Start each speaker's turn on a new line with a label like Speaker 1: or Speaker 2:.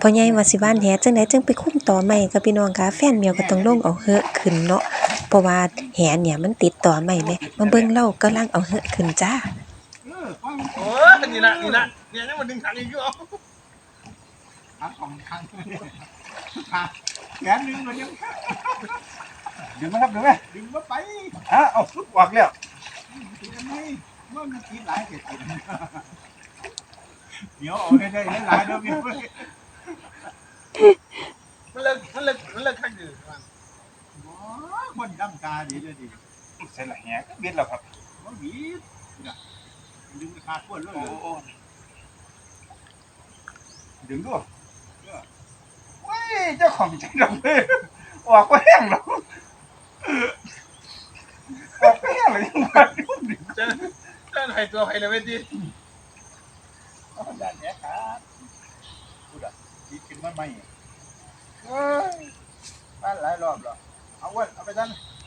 Speaker 1: พ่อใหญ่ว่าสิหว่านแหจั่งใดจั่งไปคุมต่อไม้ค่ะพี่น้องค่ะแฟนแมวก็ต้องลงเอาเหอะขึ้นเนาะเพราะว่าแหเนี่ยมันติดต่อไม้แหมมาเบิ่งเรากำลังเอาเหอะขึ้นจ้า
Speaker 2: โอ้นี่ละเนี่ยยังมันดึงถังอีกอยู่เอาของถังแขนดึงมันยังดึงไหมครับดึงไหมดึงมาไปเอาลุกออกแล้วไม่มันกินหลายเกิดเดี๋ยวเอาได้หลายเด้อพี่มันเลิกขั้นอยู่มันดำตาดีเลยดิใส่ละแหกเบียดแล้วครับมันบีดดึงไปขาดก้นเลยดึงด้วยเว้ยเจ้าของใจดำเลยออกไปแห้งแล้วออกไปแห้งเลยยังมาดึงเจ้าไหนตัวใครเลยเว้ยดิด่านเนี้ยครับพูดอ่ะดีขึ้นมาไหมบ้านหลายรอบแล้วเอาไว้เอาไปด้าน